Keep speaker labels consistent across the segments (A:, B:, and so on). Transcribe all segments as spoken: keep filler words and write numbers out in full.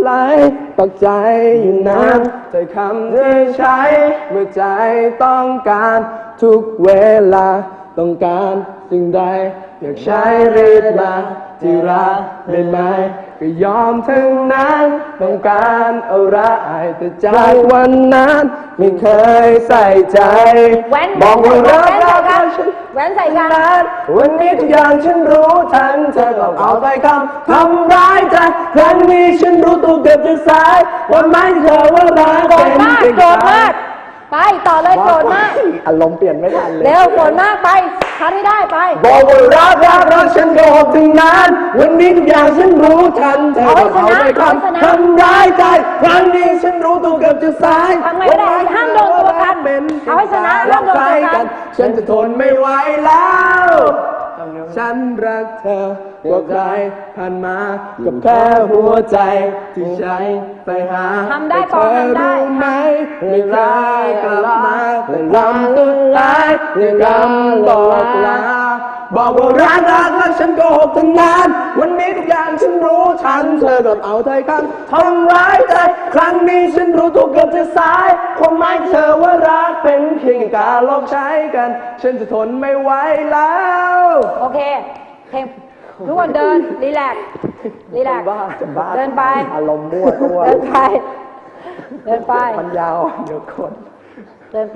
A: ไหลปักใจอยู่นานใจคำที่ใช้เมื่อใจต้องการทุกเวลาต้องการสิ่งใดอยากใช้รีบมาที่รักได้ไหมก็ยอมทั้งนั้นต้องการอะไรแต่จากวันนั้นไม่เคยใส่ใจบอกว่ารักรักรักฉัน
B: แหวนใส่กัน
A: วันนี้ทุกอย่างฉันรู้ทันเธอก็เอาไปคำทำร้ายใจครั้งนี้ฉันรู้ตัวเกือบจะสายวันไม่เธอว่ารัก
B: โกรธมากโกรธมากไปต่อเลยโกรธมาก
A: อารมณ์เปลี่ยนไม่ทันเลย
B: เร็วโกรธมากไปทันไม่ได้ไป
A: บอกว่ารักรักรักฉันโกรธถึงนั้นวันนี้ทุกอย่างฉันรู้ทันเธอก็เอาไปคำทำร้ายใจครั้งนี้ฉันรู้ตัวเกือบจะสาย
B: ทำไงก็ได้ห้ามโดนตัวกันเอาให้ชนะห้ามโดนตัวกัน
A: ฉันจะทนไม่ไหวแล้วฉันรักเธอกว่าใครผ่านมากับแค่หัวใจที่ใช้ไปหา
B: ทำได้ปอทำได้
A: ไหมไม่รักกลับมาแต่ลำสุดท้ายในคำบอกลาบอกว่ารักรักรักฉันโกหกทั้งนั้นวันนี้ทุกอย่างฉันรู้ทันเธอกับเอาใจกันทำร้ายใจครั้งนี้ฉันรู้ตัวเกือบจะสายความหมายเธอว่ารักเป็นเพียงการลองใช้กันฉันจะทนไม่ไหวแล้ว
B: โอเคเพลงทุกคนเดินรีแลกซ์รีแลกซ์เดินไป
A: อารมณ์มั่วตัว
B: เดินไปเดินไป
A: มันยาวเดี๋ยวคน
B: เดินไป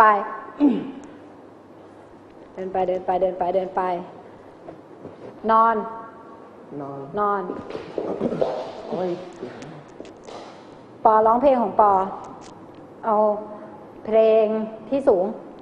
B: เดินไปเดินไปเดินไปเดินไปนอน
A: นอน
B: นอนปอร้องเพลงของปอเอาเพลงที่สูง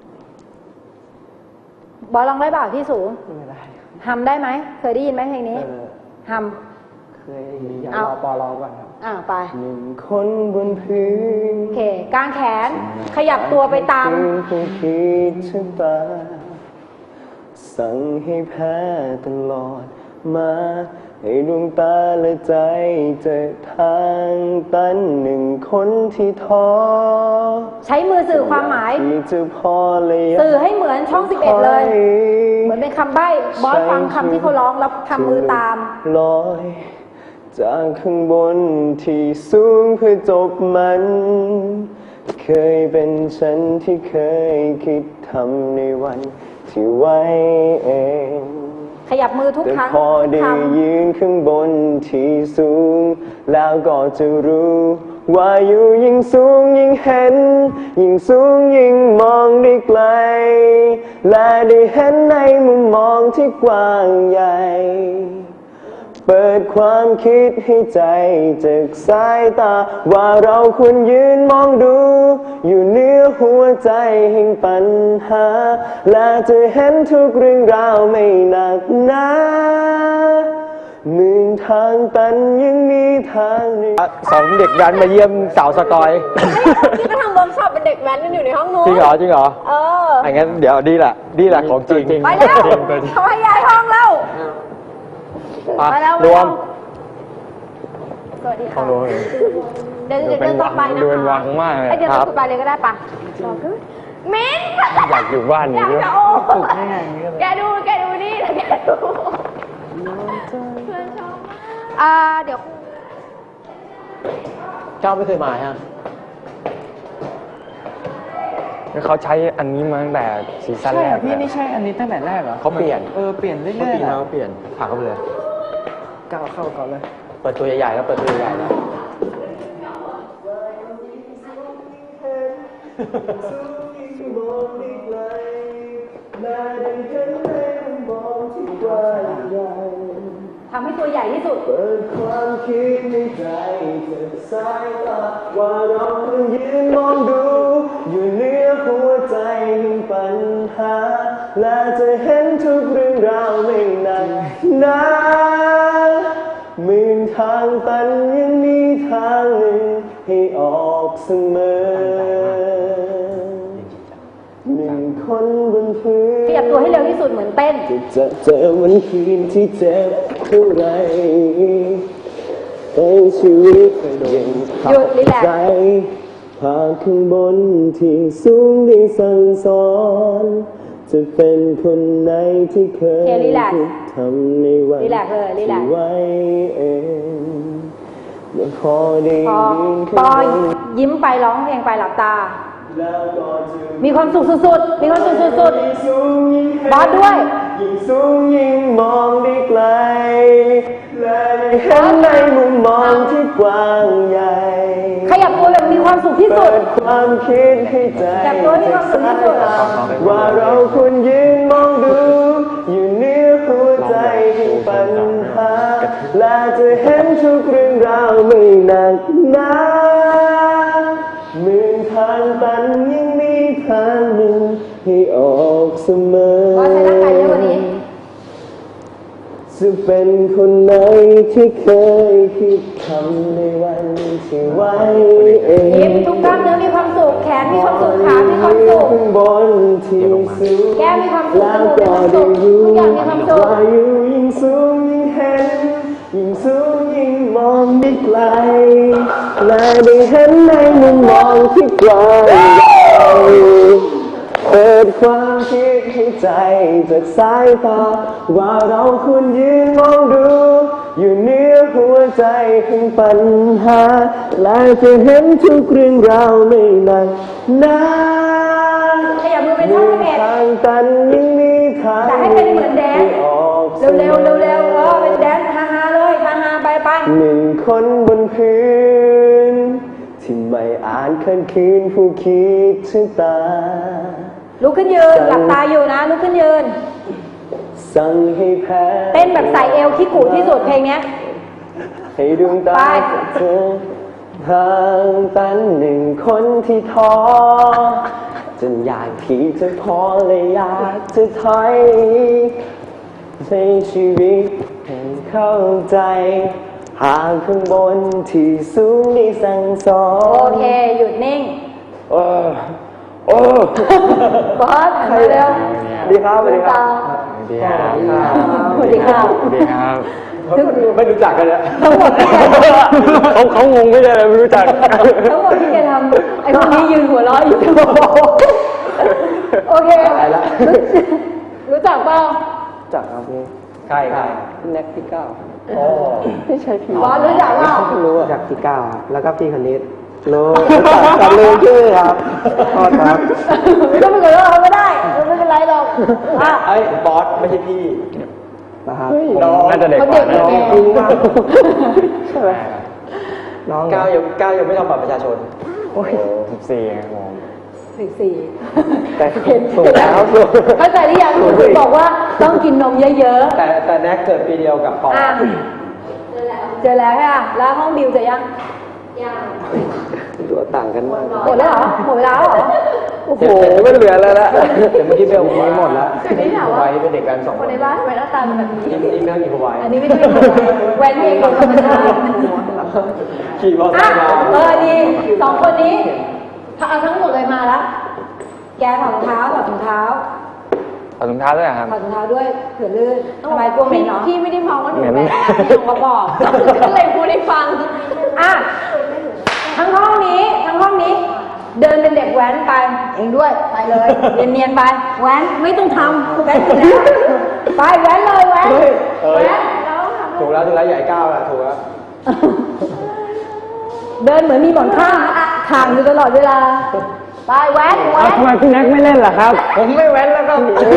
B: บอร้องได้เปล่าที่สูง
A: ไม่ได้
B: ฮัมได้ไหมเคยได้ยินไหมเพลงนี้ฮัม
A: เคยอยากรอปอร้องก่อนครับ
B: อ่าไป
A: หนึ่งคนบนพื้น
B: โอเคกางแขนขยับตัวไปตาม
A: ผู้คิดชะตาสั่งให้แพ้ตลอดมาให้ดวงตาและใจเจอทางตันหนึ่งคนที่ท้อ
B: ใช้มือสื่อความหมายสื่อให้เหมือนช่องสิบเอ็ดเลยเหมือนเป็นคำใบ้บอสฟังคำที่เขาร้องแล้วทำมือตาม
A: ลอยจากข้างบนที่สูงเพื่อจบมันเคยเป็นฉันที่เคยคิดทำในวันที่ไว้เอง
B: ขยับมือทุกครั้ง
A: แต่พอได้ยืนข้างบนที่สูงแล้วก็จะรู้ว่าอยู่ยิ่งสูงยิ่งเห็นยิ่งสูงยิ่งมองได้ไกลและได้เห็นในมุมมองที่กว้างใหญ่เปิดความคิดให้ใจจากสายตาว่าเราควรยืนมองดูอยู่เหนือหัวใจแห่งปัญหาและจะเห็นทุกเรื่องราวไม่หนักหนาหมื่นทางตันยังมีทางสองเด็กแว้นมาเยี่ยมสาวสกอย
B: นี่ก็ทำเวิร์กช็อปเป็นเด็กแว้นกันอยู่ในห้องนู้น
A: จริงเหรอจริงเหรอ
B: เออ
A: อย่างงั้นเดี๋ยวดีแหละดีแหละของจริง
B: ไปแล้วเขาให้ย้ายห้องแล้วไปแล้วรวมสวัสดีค่ะเดินเดินต่อไปนะคะ
A: เดินวังมากเลย
B: เดินต่อไปเลยก็ได้ปะมิ้น
A: อยากอยู่บ้านนี้ด้วย
B: แกดูแกดูนี่แกดูเพื่อนชอบอ่าเดี๋ยว
A: เจ้าไม่เคยมาฮะเขาใช้อันนี้มาตั้งแต่ซีซั่นแรก
C: พี่นี่ใช่อันนี้ตั้งแต่แรกเหรอ
A: เขาเปลี่ยน
C: เออเปลี่ยนเรื่อยๆเขาเปลี่ยน
A: เขาเปลี่ยนผ่าเข้าไปเลย
C: ก้าวเข้าก่อนเลย
A: เปิดตัวใหญ่ๆแล้วเปิดตัวใหญ่ๆแล้ว
B: ทำให้ตัวใหญ่ที่สุด
A: เปิดความคิดในใจจากสายตาว่าเราต้องยืนมองดูอยู่เหนือหัวใจแห่งปัญหาและจะเห็นทุกเรื่องราวไม่นานนานหมื่นทางตันยังมีทางหนึ่งให้ออกเสมอหนึ่งคนบนพื้น
B: ขยับตัวให้เร็วที่สุดเหมือนเต้น
A: จะเจอวันคืนที่เจ็บเท่าไรในชีวิตยังขับใจพาข้างบนที่สูงได้สั่งสอนจะเป็นคนไหนที่เคยคิดทำในวันที่ไว้เองยังพอได้
B: พอ
A: ยิน
B: ปอยิ้มไปร้องเพลงไปหลับตา มีความสุขสุดๆ มีความสุขสุดๆ บอสด้วย
A: ยิ่งสูงยิ่งมองได้ไกลและได้เห็นในมุมมองที่กว้างใหญ่
B: ขยับตัวแบบมีความสุขที่สุ
A: เปิ
B: ด
A: ดความคิดให้ใจ
B: ขยับตัวให้มีความสุขที่สุด
A: ว่าเราควรยืนมองดู อยู่เหนือหัวใจถึงปัญหาและจะเห็นทุกเรื่องราวไม่หนักหนาหมื่นทางตันยังมีทางหนึ่งให้ออกเสมอ
B: บอสใช้ร่างกายเยอะกว่านี้
A: จะเป็นคนไหนที่เคยคิดคำในวันที่ไว้เอง
B: ยิ้มทุกกล้ามเนื้อมีความสุข แขนมีความสุข ขามีความสุข
A: ข้างบนที่สูง
B: แก้มมีความสุข
A: แล้ว
B: จ
A: ก็
B: มูกมีความสุขทุก
A: ได้รู้
B: อย่างมีความสุข
A: ว่าอยู่ยิ่งสูงยิ่งเห็นยิ่งสูงยิ่งมองได้ไกลและได้เห็นในมุมมองที่กว้างใหญ่เปิดความคิดให้ใจจากสายตาว่าเราควรยืนมองดู อยู่เหนือหัวใจของปัญหาและจะเห็นทุกเรื่องราวไม่หนักหนา
B: ขยับมือเป็นช่องสิบเอ็ด
A: ทางตันยังมีทาง
B: แต่ให้เป็นเหมือนแดนซ์
A: ที่ออกสมอ
B: เร็วๆเร็วๆเออเป็นแดนซ์ฮาๆเลยฮาๆไปไป
A: หนึ่งคนบนพื้น ที่ไม่อาจขันคืนผู้คิดถึงตา
B: ลุกขึ้นยืน หลับตาอยู่นะ ลุกขึ้นยืน
A: สั่งให้แพ้
B: เต้นแบบใส่เอวขี้กูที่สุดเพลงเนี้ย
A: ให้ดวงตา
B: ไป
A: จากเธอทางตันหนึ่งคนที่ท้อจนอยากที่จะพอเลยอยากจะถอยในชีวิตให้เข้าใจหากข้างบนที่สูงได้สั่งสอ
B: โอน เค หยุดนิ่ง
A: โอ้โอ้
B: บอสหันมาเร็ว
A: ดีครับสวัสดีค
B: ตา
A: รับ
C: ดีครับ
B: สวัสดีค่ะ
C: ดีครับ
A: ไม่รู้จักกันเลย
B: ทั้งหมดที่แก
A: เขาเขางงไม่ใช่เลยไม่รู้จัก
B: ทั้งหมดที่แกทำไอ้พวกนี้ยืนหัวเราะอยู่โอเค รู้จักเปล่า
A: จักครับพี่ใครใครแน็กพี่เก้าไม่ใช่พี่
B: บอสรู้จักเปล่า
A: รู้จักพี่เก้าแล้วก็พี่คณิตรู้จักกันเลยชื่อครับโทษครับ
B: ก็ไม่เกิดว่าเราไม่ได้ไม่เป็นไรหรอกอ่ะ
A: ไอ้บอสไม่ใช่พี่นะครับน้อง
C: น่าจะเด็ก
B: เขา
C: ก
B: เด็
C: ว่าก
B: แก่
A: จริงมากใช่ไหมน้องก้าวยังก้าวยังไม่ทำบัตรประชาชน
C: โอ้ยสิบสี่ครับผม
B: สิบสี่
A: แต่เห็นถูกแล้วถูก
B: เข้าใจหรือยังคุณบอกว่าต้องกินนมเยอะ
A: แต่แต่แน็กเกิดปีเดียวกับปอ
B: ๆอ่ะเจอแล้วค่ะ แล้วห้องบิวเจอยัง
A: ตัวต่างกันมาก
B: หมดแล้วเหรอ หมดเวลาแล้วเหรอ
A: โอ้โหไม่เหลือแล้วละแต่เมื่อกี้เบลบอกว่าหมดแล้ว
B: นี่ถามว่า
A: ไว้เป็นเด็กกันสอง
B: ค
A: คน น
B: ในบ้านทำไมหน้าตาเป็นแบบนี้
A: อีกอีกเรื่องอีกพวาย
B: อันนี้ไม่ได้แหวนเพลงของธรรมชาติ
A: ขี่มอเตอ
B: อ่ะ
A: ร์ไซค์มา
B: เออดีสองคนนี้เอาทั้งหมดเลยมาแล้ว แกถอดรองเท้าถอดรองเท้า
C: เอาถุงเท้าด้วยเหรอครับ
B: ถอดรองเท้าด้วยเผื่อลื่นทำไมกลัวเหม็นเนาะ
D: พี่ไม่ได้มองว่าหนู
C: เหม็น
D: แบนนะพี่ลงมาบอก ก็เลยพูดให้ฟัง
B: อ่ะทั้งห้องนี้ทั้งห้องนี้ เดินเป็นเด็กแว้นไปเองด้วยไปเลยเนียนๆไปแว้นไม่ต้องทำแว้นอยู่แล้วไปแว้นเลยแว้นแว้นแล้วทำ
A: ถูกแล้วถูกแล้วใหญ่ก้าวแล้วถูกแล้ว
B: เดินเหมือนมีหมอนข้างห่างอยู่ตลอดเวลาไปแว้นแว้น
C: ทำไมพี่แน็กไม่เล่นล่ะครับ
A: ผมไม่แว้นแล้วก็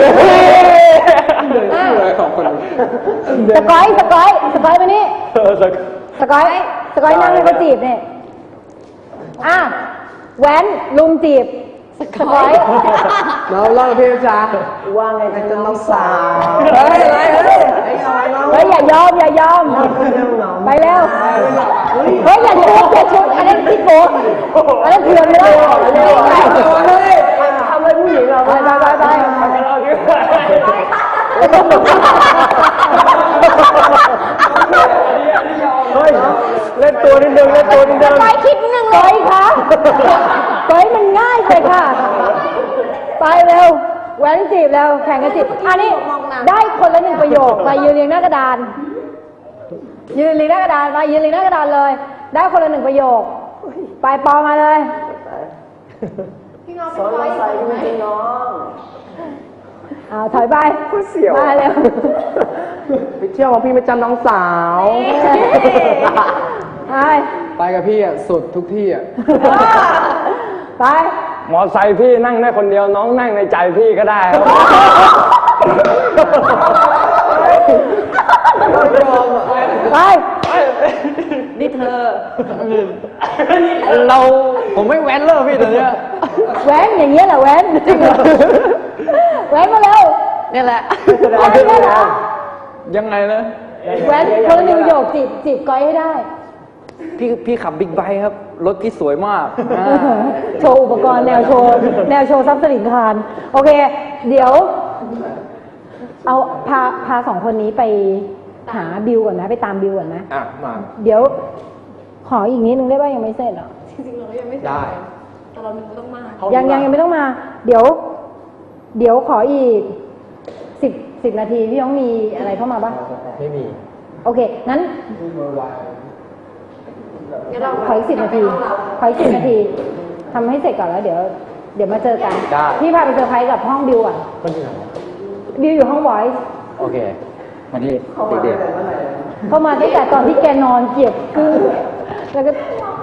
B: อ่ะ
A: ของคน
B: สกอยสกอยสกอยมานี่
A: สัก
B: สกอยสกอยนั่งให้เขาจีบเนี่ยอ่ะแว้นลุมจีบสกอย
A: เราเล่าพี่จ๋าว่าไงกันน้องสาว
B: เฮ้ยอะไรเฮ้ยเฮ้ยอย่ายอมอย่ายอมไปเร็วเฮ้ยอย่าชุดอย่าชุดอันนั้นพี่โกอันนั้นเถื่อนไม่ได้ทำอะไรผู้หญิงเราไปไปไปไป
A: เฮ้ยเล่นตัวนิดนึงเล่นตัวนิดนึง
B: ไปคิดหนึ่งเลยค่ะไปมันง่ายไปค่ะ ไปเร็วแหวนจีบแล้วแข่งกันจีบอันนี้ได้คนละหนึ่งประโยคไปยืนเรียงหน้ากระดาน ยืนเรียงหน้ากระดานมายืนเรียงหน้ากระดานเลย ได้คนละหนึ่งประโยค ไปปอมาเลย
D: พี่น้องเป็นร้อยอยู่ไหม
B: เอาถอยไป
A: เสี่ยว
B: มาเร็ว
A: ไปเที่ยวกับพี่ไปจำน้องสาว
B: อ่ะ
E: ไปกับพี่อ่ะสุดทุกที่อ่ะ
B: ไป
C: มอไซค์พี่นั่งได้คนเดียวน้องนั่งในใจพี่ก็ได้ครับ
B: ไป
E: นี่เธอ เรา ผมไม่แว้นเลยพี่ตอนเนี้ย
B: แว้นอย่างเงี้ยแหละแว้นแว้นมาเร็ว
E: นี่แหละ
B: แว้นเนี่ยเหรอ
E: ยังไงนะ
B: แว้นคนละหนึ่งประโยคจีบจีบก้อยให้ได้
E: พี่พี่ขับบิ๊กไบค์ครับ รถที่สวยมากอ่า
B: โชว์อุปกรณ์แนวโชว์ แนวโชว์ทรัพย์สินคารโอเค เดี๋ยว เอาพาพาสองคนนี้ไปหาบิวก่อนนะ ไปตามบิวก่อนนะ
E: อ่ะ มา
B: เดี๋ยว ขออีกนิดนึงได้ป่ะยังไม่เสร็จเหรอ
D: จริงๆเรายังไม่เสร็จ
E: ได้
D: แต่เราต้องมา
B: ยังยังยังไม่ต้องมา เดี๋ยว เดี๋ยวขออีกสิบสิบนาทีพี่น้องมีอะไรเข้ามาบ้าง
E: ไม่มี
B: โอเค งั้น
D: งั้นเรา
B: ขออีกสิบนาที ขออีกสิบนาทีทำให้เสร็จก่อนแล้วเดี๋ยว เดี๋ยวมาเจอกัน
E: ได้
B: พี่พาไปเซอร์ไพรส์กับห้องบิวก่อน
E: คนที่ไหน
B: บิวอยู่ห้อง voice
E: โอเค มาที่เด็ก
B: เข้ามาตั้งแต่ตอนที่แกนอนเกียบคือแล้วก็
D: เรา